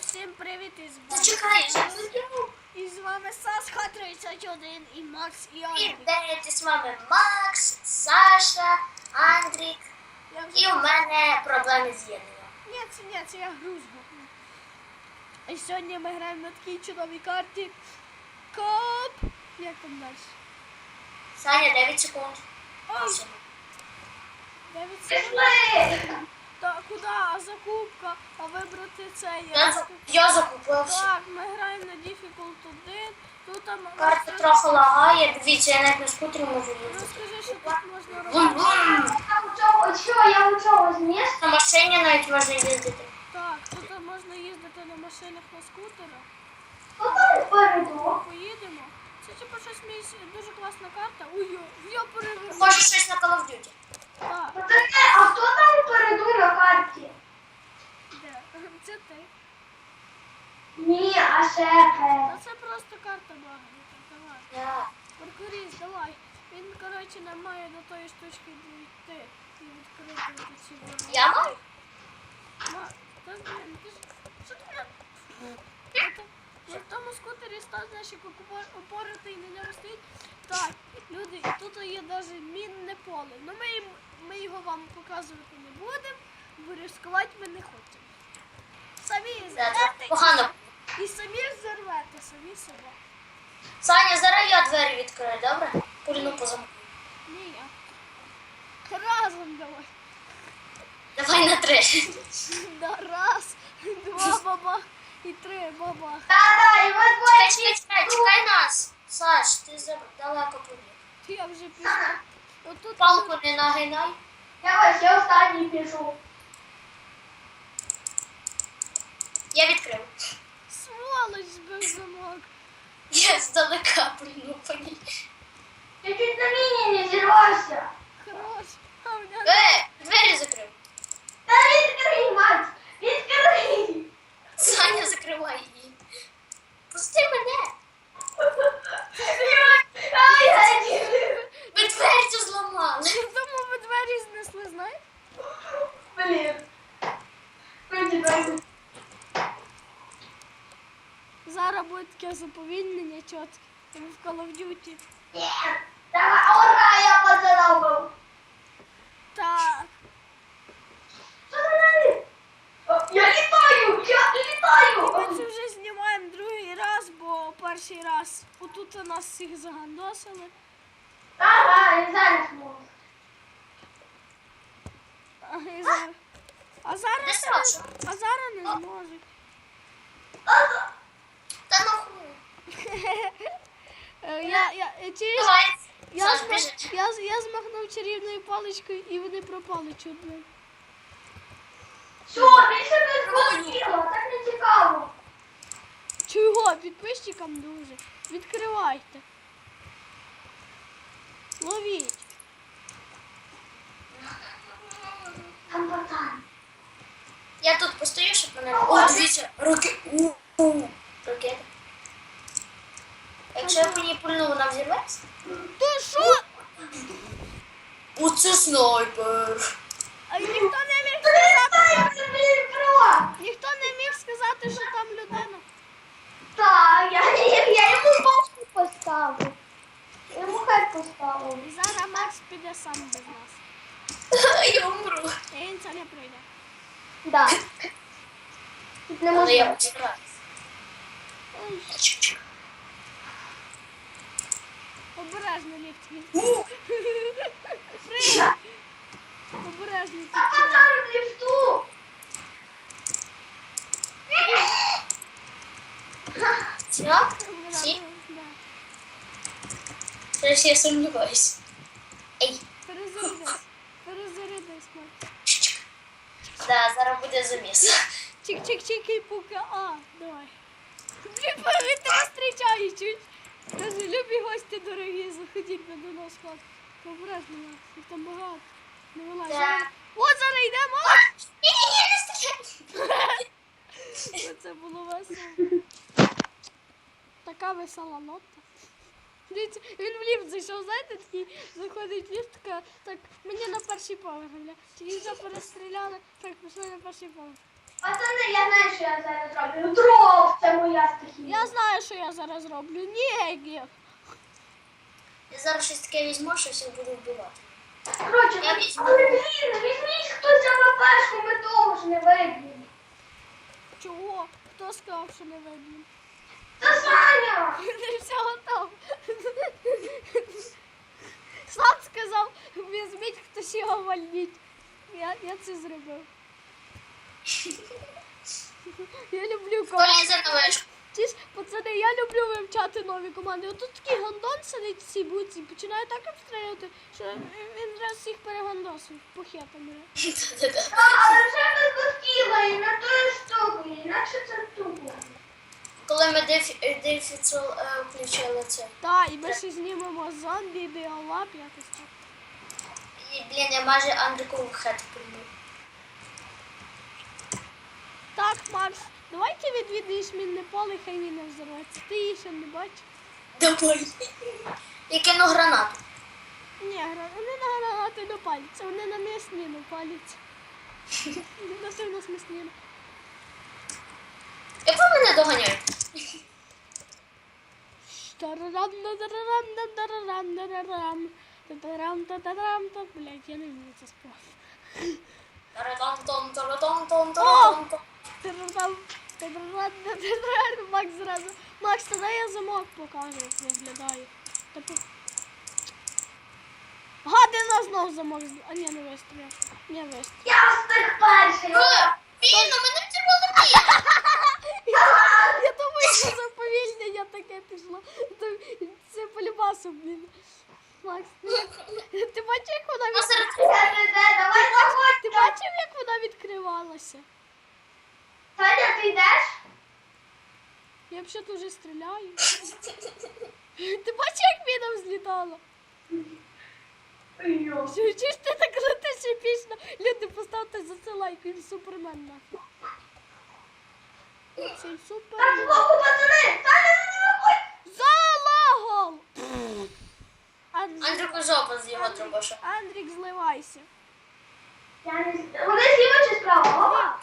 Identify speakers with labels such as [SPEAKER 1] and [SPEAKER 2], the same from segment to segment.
[SPEAKER 1] Всім привіт
[SPEAKER 2] Зачекай,
[SPEAKER 1] і з вами Сашка 31 і Макс і Андрій.
[SPEAKER 2] Привіт, з вами Макс, Саша, Андрік. І у мене проблеми з єднанням.
[SPEAKER 1] Ні, це я грузу. І сьогодні ми граємо на такій чудовій карті. Коп. Як там далі?
[SPEAKER 2] Саня, 9 секунд.
[SPEAKER 1] Ой. 9 секунд. Та куди? А закупка? А вибрати це
[SPEAKER 2] Я закупився.
[SPEAKER 1] Так, ми граємо на Difficult 1. Тут там...
[SPEAKER 2] Карта трохи лагає. Дивіться, я навіть на скутері можу їздити.
[SPEAKER 1] Розкажи, що тут можна робити.
[SPEAKER 3] Я у чогось місця?
[SPEAKER 2] На машині навіть можна їздити.
[SPEAKER 1] Так, тут можна їздити на машинах, на скутерах.
[SPEAKER 3] Попереду.
[SPEAKER 1] Поїдемо. Це типу щось дуже класна карта. Ой, я переверну.
[SPEAKER 2] Може щось на Call of Duty.
[SPEAKER 1] Так,
[SPEAKER 3] А хто там попереду на карті?
[SPEAKER 1] де? Це ти.
[SPEAKER 3] Ні, а шефе.
[SPEAKER 1] Та це просто карта багнута. Давай.
[SPEAKER 2] Да.
[SPEAKER 1] Паркуріст, давай. Він, коротше, не має до тої штучки дійти і відкрити ці ворота.
[SPEAKER 2] Я маю?
[SPEAKER 1] Та, блін, ти ж... Що ти мене... В тому скутері став, знаєш, як опоротий на ньому стоїть. Так, люди, тут є навіть мінне поле. Ну ми його вам показувати не будемо, бо ризикувати ми не хочемо. Самі
[SPEAKER 2] Це
[SPEAKER 1] зервете
[SPEAKER 2] погано.
[SPEAKER 1] і самі взорвете, самі себе.
[SPEAKER 2] Саня, зараз я двері відкрию, добре? Пульну по замку.
[SPEAKER 1] Ні, я. Разом давай.
[SPEAKER 2] Давай на 3.
[SPEAKER 1] Да, раз, два бабах і три бабах.
[SPEAKER 3] Та-да, і ви двоє.
[SPEAKER 2] Чекай нас. Саш, ти далеко побіг.
[SPEAKER 1] Я вже пішла. Отут
[SPEAKER 2] Палку не нагинай.
[SPEAKER 3] Я ось, я останній пішов.
[SPEAKER 2] Я відкрив.
[SPEAKER 1] сволоч збив замок.
[SPEAKER 2] Я здалека пульну по ній.
[SPEAKER 3] Ти чуть на міні не зірвався.
[SPEAKER 1] Хорош. А в нього...
[SPEAKER 2] Двері закрив.
[SPEAKER 3] Та відкрий, мать, відкрий.
[SPEAKER 2] Саня, закривай її. Пусти мене. Ви двері цю зламали.
[SPEAKER 1] Тому ви двері знесли, знаєш?
[SPEAKER 3] Блін. Вийди.
[SPEAKER 1] Зараз буде таке заповільнення чітке. Як в Call of Duty.
[SPEAKER 3] Ні. Давай, ура, я поздоровив.
[SPEAKER 1] Так.
[SPEAKER 3] Що ти робиш? Я літаю,
[SPEAKER 1] Ми це вже знімаємо другий раз, бо перший раз отут нас всіх загандосили.
[SPEAKER 3] Ага, і зараз можу.
[SPEAKER 1] А
[SPEAKER 2] Де
[SPEAKER 1] зараз,
[SPEAKER 2] Саша?
[SPEAKER 1] не зможуть.
[SPEAKER 2] Та нахуй.
[SPEAKER 1] Через...
[SPEAKER 2] Давай. Саш, біжи.
[SPEAKER 1] Я змахнув чарівною паличкою і вони пропали чудно.
[SPEAKER 3] Що, більше не зрозуміло, так не цікаво.
[SPEAKER 1] Чого? Підписчикам дуже. Відкривайте. Ловіть.
[SPEAKER 3] Там пацан.
[SPEAKER 2] Я тут постою, щоб мене... О, дивіться, ракета. Якщо я по ній пульну, вона взірветься?
[SPEAKER 1] То що?
[SPEAKER 2] Оце снайпер.
[SPEAKER 1] А ніхто не міг сказати,
[SPEAKER 3] Це, блін, крила.
[SPEAKER 1] ніхто не міг сказати, що там людина.
[SPEAKER 3] Так, я йому башку поставив. Я йому хай поставив.
[SPEAKER 1] І зараз Макс піде сам без нас.
[SPEAKER 2] Я умру.
[SPEAKER 1] І він це не прийде.
[SPEAKER 3] Да. Тут не
[SPEAKER 2] Але я
[SPEAKER 3] можна.
[SPEAKER 2] почекаю.
[SPEAKER 1] Ой, обережно ліфт. Прийде. Обережно.
[SPEAKER 3] Та пацан в ліфту.
[SPEAKER 2] Все? Всі?
[SPEAKER 1] Да.
[SPEAKER 2] Зараз я сумніваюсь. Ей.
[SPEAKER 1] Перезарядись, Макс.
[SPEAKER 2] Да, зараз буде заміс.
[SPEAKER 1] Чик-чик-чик і пука. А, давай. Блін, він тебе зустрічає чуть. Каже, любі гості дорогі, заходіть до нас в хату. Обережно, Макс, їх там багато. Не вилазь.
[SPEAKER 2] Да.
[SPEAKER 1] От зараз йдемо.
[SPEAKER 2] Ні-ні-ні, не стріляй.
[SPEAKER 1] Це було весело. Така весела нота. Дивіться, він в ліфт зайшов, знаєте, такий заходить в ліфт, така, так, мені на перший поверх, бля. Тільки вже перестріляли, так, пішли на перший поверх.
[SPEAKER 3] Пацани, я знаю, що я зараз роблю. Дров, це моя стихія.
[SPEAKER 1] Я знаю, що я зараз роблю. Ні.
[SPEAKER 2] Я зараз щось таке візьму, що всіх буду вбивати.
[SPEAKER 3] Коротше,
[SPEAKER 2] Я візьму.
[SPEAKER 3] але блін, візьміть хтось АВПшку, ми того ж не виб'ємо.
[SPEAKER 1] Чого? Хто сказав, що не виб'ємо?
[SPEAKER 3] Та Саня!
[SPEAKER 1] Все готово. Сам сказав, візьміть хтось його вальніть. Я це зробив. Я люблю
[SPEAKER 2] Хто
[SPEAKER 1] команди.
[SPEAKER 2] лізе на вишку?
[SPEAKER 1] Ті ж, пацани, я люблю вивчати нові команди. Отут такий гандон сидить в цій буці, починає так обстрілювати, що він раз всіх перегандосив похетами.
[SPEAKER 3] Але вже ми захотіли і на тою штуку, інакше це тупо.
[SPEAKER 2] Коли ми дефіцил включили це.
[SPEAKER 1] Та, і ми ще знімемо зомбі, біолап, якось так.
[SPEAKER 2] І, блін, я майже Андрикову хет прийму.
[SPEAKER 1] Так, Макс, давай ти відвідуєш мінне поле, хай він не взорветься. Ти її ще не бачиш?
[SPEAKER 2] Давай. Я кину гранату.
[SPEAKER 1] Ні, вони на гранати не паляться, вони на м'ясні не паляться. На це в нас м'ясні.
[SPEAKER 2] Як ви мене доганяєте?
[SPEAKER 1] Блять, я не вмію це співати.
[SPEAKER 2] Таратон-тон-таратон-тон-таратон-тон.
[SPEAKER 1] Макс зразу. Макс, тоді я замок покажу, як виглядає. Гади нас знов замок. А ні, не вистріляв. Не вистріляв.
[SPEAKER 3] Я встиг перший.
[SPEAKER 2] Блін, у мене в червоному
[SPEAKER 1] Я думаю, що заповільнення таке пішло. Це полюбасом, блін. Макс, ти бачив, як вона
[SPEAKER 3] Давай заходь.
[SPEAKER 1] Ти бачив, як вона відкривалася?
[SPEAKER 3] Саня, ти йдеш?
[SPEAKER 1] Я взагалі вже стріляю. Ти бачив, як міна взлітала? Чуєш, ти так летиш епічно. Люди, поставте за це лайк, він супермен нафіг. Цей
[SPEAKER 3] Так,
[SPEAKER 1] супермен.
[SPEAKER 3] збоку, пацани! Саня, не виходь!
[SPEAKER 1] Залагал!
[SPEAKER 2] Андрюку жопа з його дробаша.
[SPEAKER 1] Андрік, зливайся.
[SPEAKER 3] Вони зліва чи справа? Опа!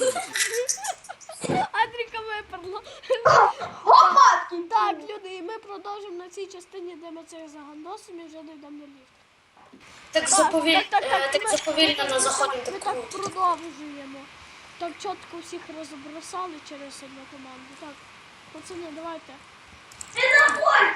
[SPEAKER 1] Андріка виперло.
[SPEAKER 3] Опа!
[SPEAKER 1] Так, люди, і ми продовжимо на цій частині, де ми це загандосимо і вже дійдемо до ліфта.
[SPEAKER 2] Так заповільно на заході
[SPEAKER 1] Ми
[SPEAKER 2] так
[SPEAKER 1] так
[SPEAKER 2] круто.
[SPEAKER 1] продовжуємо. Так чітко всіх розбросали через одну команду. Так, пацани, давайте.
[SPEAKER 3] Не заходь!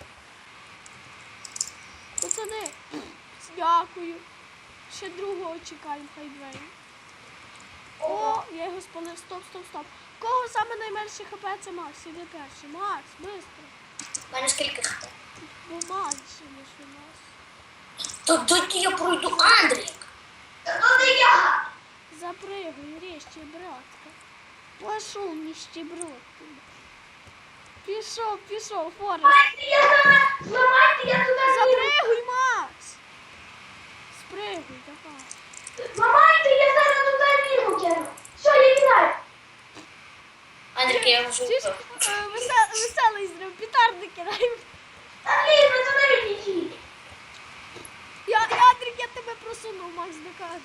[SPEAKER 1] Пацани, дякую. Ще другого чекаємо, хай двері. О, я його спалив. Стоп. Кого саме найменше хп це Макс? Іди перший. Макс, швидко.
[SPEAKER 2] У мене скільки хп?
[SPEAKER 1] Бо менше, ніж у нас.
[SPEAKER 2] То доки я пройду Андрік.
[SPEAKER 3] Та то не я!
[SPEAKER 1] Запрыгай, резче, братка. Пошел, нищеброд. Пішов, Форест.
[SPEAKER 3] Зламайте, я зараз! Зламайте, я туди влізу!
[SPEAKER 1] Запрыгуй, Макс. Спрыгуй, давай.
[SPEAKER 3] Зламайте, я зараз туди влізу, кину! Все, я кидаю!
[SPEAKER 2] Андрік, я вже
[SPEAKER 1] Чи ж,
[SPEAKER 2] вбив.
[SPEAKER 1] веселий зрив, петарди кидаємо.
[SPEAKER 3] Та блін, пацани, відійдіть!
[SPEAKER 1] Андрік, я тебе просунув, Макс, докаже.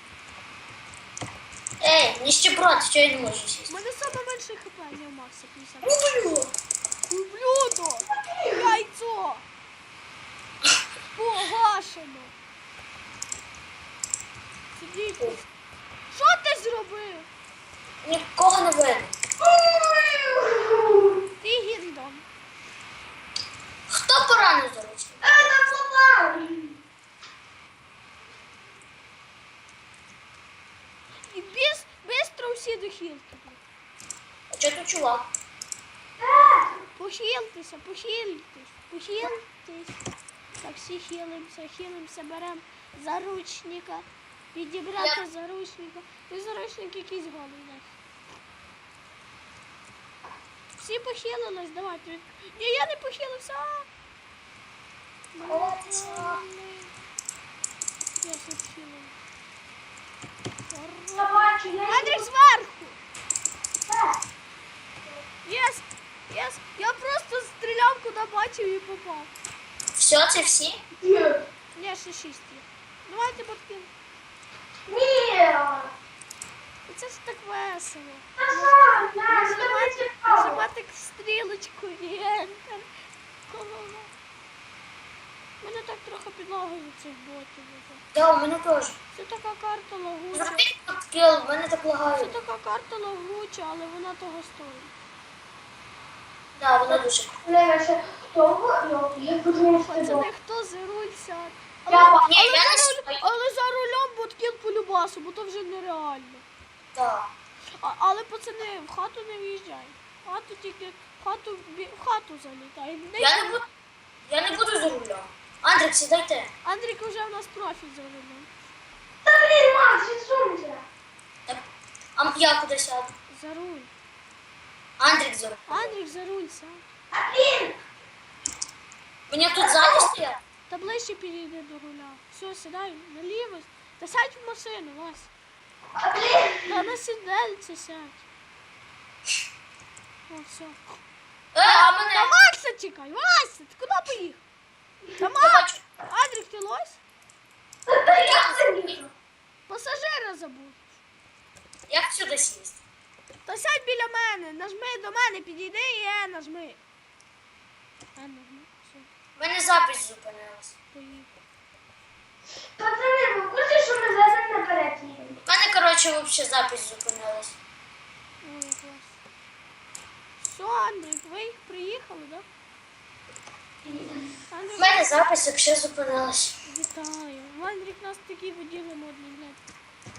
[SPEAKER 2] Ей, ніщеброд, що я не можу
[SPEAKER 1] У
[SPEAKER 2] сісти?
[SPEAKER 1] мене саме менше хп, не у Макса 50.
[SPEAKER 2] Люблю.
[SPEAKER 1] Ублюдо! Яйцо! Погашено! Сидіть. Що ти зробив?
[SPEAKER 2] Нікого не видно.
[SPEAKER 1] Ти гіндом.
[SPEAKER 2] Хто поранив, до речі?
[SPEAKER 3] Та зламав!
[SPEAKER 1] І бистро всі до хілки.
[SPEAKER 2] А чого тут чувак?
[SPEAKER 1] Похилтеся. Так, всі хилимося, беремо заручника. Підібрати заручника. Ти заручник якийсь голий у нас. Всі похилились, давайте. Ні, я не похилився. Я все похилила.
[SPEAKER 3] Я бачу, я
[SPEAKER 1] Андрій,
[SPEAKER 3] йду.
[SPEAKER 1] зверху!
[SPEAKER 3] Так.
[SPEAKER 1] Єс! Я просто стріляв, куди бачив і попав.
[SPEAKER 2] Все, це всі?
[SPEAKER 1] Ні, ще 6 є. Давайте подкину.
[SPEAKER 3] Ні!
[SPEAKER 1] Це ж так весело.
[SPEAKER 3] На, тобі цікаво.
[SPEAKER 1] Нажимати стрілочку і ентер. Голова. Мене так трохи під ногою цих ботів.
[SPEAKER 2] Да, у мене теж.
[SPEAKER 1] Це така карта лагуча.
[SPEAKER 2] Зробіть скіл, в мене так
[SPEAKER 1] Це
[SPEAKER 2] лагає.
[SPEAKER 1] така карта лагуча, але вона того стоїть.
[SPEAKER 2] Да, вона дуже.
[SPEAKER 3] Леша, хто? Я подумав, що
[SPEAKER 1] Пацани, хто за руль сяде?
[SPEAKER 2] Ні, я не стою.
[SPEAKER 1] Але за рулем боткіл по любасу, бо то вже нереально.
[SPEAKER 2] Да.
[SPEAKER 1] Але пацани, в хату не в'їжджай. В хату тільки в хату залітай.
[SPEAKER 2] Я не буду за рулем. Андрік, сідайте.
[SPEAKER 1] Андрік вже в нас профіль за рулем.
[SPEAKER 3] Та блін, Макс, відсунься.
[SPEAKER 2] Так, а я куди сяду?
[SPEAKER 1] За руль.
[SPEAKER 2] Андрік за рулем.
[SPEAKER 1] Андрік за руль сядь.
[SPEAKER 3] А блін,
[SPEAKER 2] Мені тут ззаді стоять.
[SPEAKER 1] Та ближче підійди до руля. Все, сідай наліво. Та сядь в машину, Вась.
[SPEAKER 3] а блін.
[SPEAKER 1] Та на сідельце сядь. О, все.
[SPEAKER 2] А
[SPEAKER 1] Та
[SPEAKER 2] мене.
[SPEAKER 1] Макса чекай, Вася, ти куди поїхав? Та Макс! Андрік, ти лось?
[SPEAKER 3] Та я заїхав.
[SPEAKER 1] Пасажира забув.
[SPEAKER 2] Як сюди сісти?
[SPEAKER 1] Та сядь біля мене, нажми до мене, підійди і нажми. Нажми, все,
[SPEAKER 2] У мене запись зупинилась.
[SPEAKER 1] поїхав.
[SPEAKER 3] Пацани, ви курсі, що ми зараз наперед їдемо?
[SPEAKER 2] У мене, коротше, взагалі запись зупинилась.
[SPEAKER 1] Ой, як клас. Все, Андрій, ви їх приїхали, так?
[SPEAKER 2] У
[SPEAKER 1] Андрій,
[SPEAKER 2] мене запись взагалі зупинилась.
[SPEAKER 1] вітаю. Андрік, у нас такі воділи модні, блядь.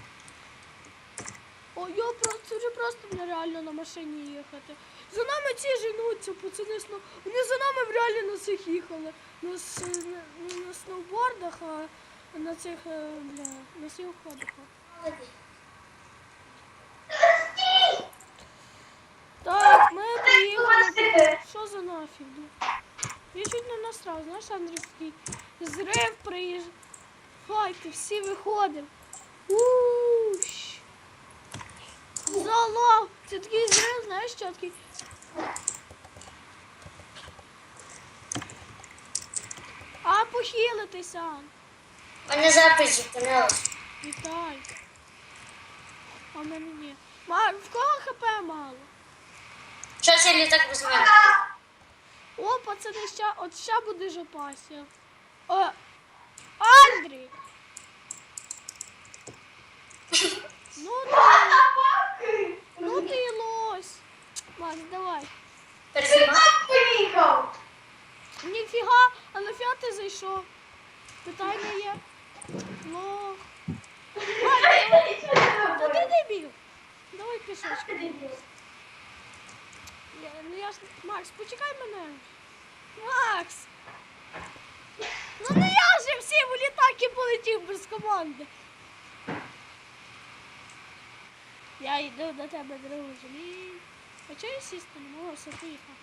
[SPEAKER 1] О, я просто, це вже просто нереально на машині їхати. За нами ці женуться, пацани, вони за нами реально на цих їхали. На сноубордах, а на цих, на снігоходах. Так, ми приїхали. Що за нафіг? Я чуть не насрав, знаєш, Андрій, такий зрив приїжджав. Файки, всі виходимо. Уш. Залов. Це такий зрив, знаєш, що такий. А похилитися.
[SPEAKER 2] У мене запись зупинилась.
[SPEAKER 1] Вітай. А в мене ні. В кого хп мало?
[SPEAKER 2] Щось я літак без мене.
[SPEAKER 1] О, пацани, ща буде жопася. О, Андрій! Ну ти і лось. Макс, давай.
[SPEAKER 2] Перезнімай.
[SPEAKER 3] Поїхав.
[SPEAKER 1] Ніфіга, а нафіга ти зайшов? Питання є. Лох. Та ти дебіл. Давай пішочку. Макс, почекай мене. Макс! Ну не я же всі в літаки полетів без команди. Я йду до тебе, друже. А чого я сісти не можу, все поїхав.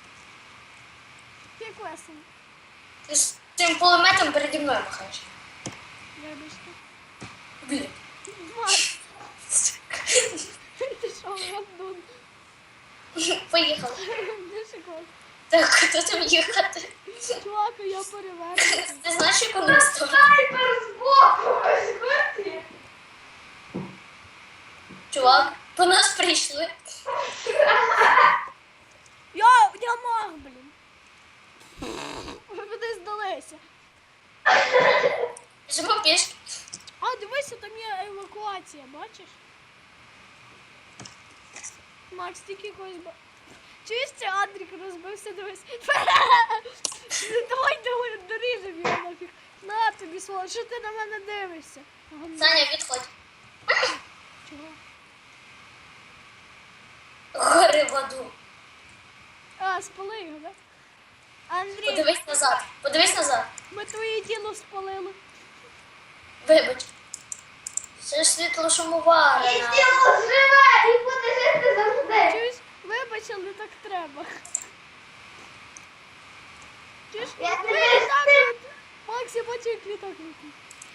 [SPEAKER 1] Як весело.
[SPEAKER 2] Ти з цим пулеметом переді мною махаєш.
[SPEAKER 1] Вибачте.
[SPEAKER 2] Блін.
[SPEAKER 1] Макс, ти що, гандун?
[SPEAKER 2] Поїхали.
[SPEAKER 1] Де шоколад?
[SPEAKER 2] Так, куди там їхати?
[SPEAKER 1] Чувак, я перевернуся.
[SPEAKER 2] Ти знаєш, яку нам сторону?
[SPEAKER 3] Снайпер збоку, ось курсі.
[SPEAKER 2] Чувак, по нас прийшли.
[SPEAKER 1] Я маг, блін. Ви куди здалися?
[SPEAKER 2] Живо пішки.
[SPEAKER 1] А, дивися, там є евакуація, бачиш? Макс, тільки когось чуєш, це Андрік розбився, дивись. Давай доріжемо його нафіг. На тобі, своло, що ти на мене дивишся?
[SPEAKER 2] Саня, відходь.
[SPEAKER 1] Чого?
[SPEAKER 2] Гори в аду.
[SPEAKER 1] А, спали його, так? Андрій,
[SPEAKER 2] Подивись назад. Подивись назад.
[SPEAKER 1] ми твоє тіло спалили.
[SPEAKER 2] Вибач. Це ж світло шумоварене.
[SPEAKER 3] І тіло живе, і буде жити завжди.
[SPEAKER 1] Чуєш, вибач, але так треба. Чуєш,
[SPEAKER 3] Я
[SPEAKER 1] ви
[SPEAKER 3] тебе
[SPEAKER 1] літак
[SPEAKER 3] стиг.
[SPEAKER 1] летить. Макс, я бачу, як літак летить.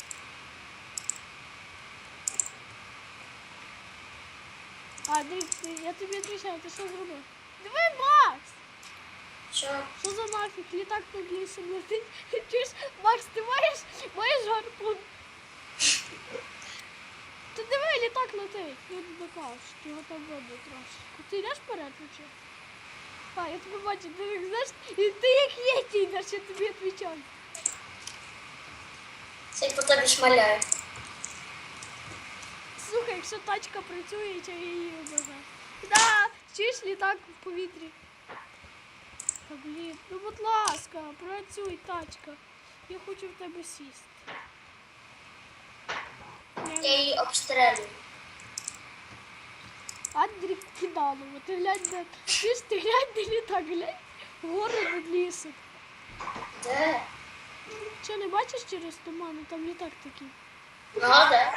[SPEAKER 1] Андрій, я тобі відповідаю, ти що зробив? Диви, Макс!
[SPEAKER 2] Що?
[SPEAKER 1] Що за нафіг? Літак над лісом летить. Чуєш, Макс, ти маєш гарпун? Ти диви, літак летить. Люди докажуть, його там видно трошки. Ти йдеш вперед чи? А, я тебе бачу, ти як знаєш, і ти як єті йдеш, я тобі відповідаю.
[SPEAKER 2] Це по тобі шмаляє.
[SPEAKER 1] Слухай, якщо тачка працює, то я її обожаю. Да, чуєш літак в повітрі. Та блін, ну будь ласка, працюй, тачка. Я хочу в тебе сісти.
[SPEAKER 2] Я її обстрелюю.
[SPEAKER 1] Андрік Кидалово, ти глянь, де... Чуєш, ти глянь, де літак, глянь. Гори над лісом.
[SPEAKER 2] Де?
[SPEAKER 1] Що, не бачиш через туман? Там літак такий.
[SPEAKER 2] Ну, де?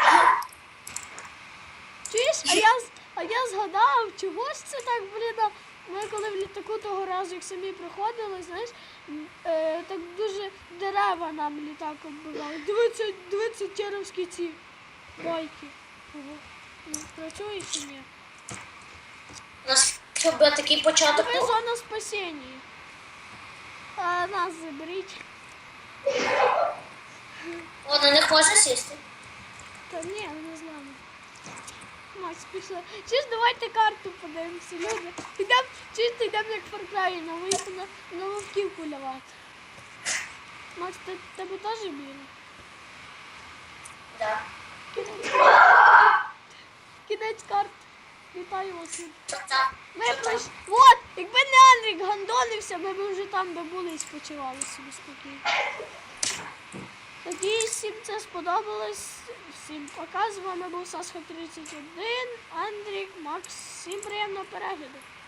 [SPEAKER 1] Чуєш, а я згадав, чого ж це так, блін, ми коли в літаку того разу, як самі приходили, знаєш, так дуже дерева нам літак оббивали. Дивіться теровські ці байки. Ого. Працює чи ні?
[SPEAKER 2] У нас що був такий початок.
[SPEAKER 1] Диви, зона спасіння. А нас заберіть.
[SPEAKER 2] О, на них можна сісти.
[SPEAKER 1] Та ні, не знаю. Макс, пішла. Чи ж давайте карту подивимося, люди. Йдемо, чисто йдемо як в Far Cry, на вовків полювати. Макс, тебе теж біло?
[SPEAKER 2] Да.
[SPEAKER 1] Кінець карт. Вітаю вас.
[SPEAKER 2] Так.
[SPEAKER 1] Ми пройшли. Вот, якби не Андрік гандонився, ми б вже там би були і спочивали собі спокійно. Надіюсь, всім це сподобалось. Всім пока. З вами був Сасха 31, Андрік, Макс. Всім приємного перегляду.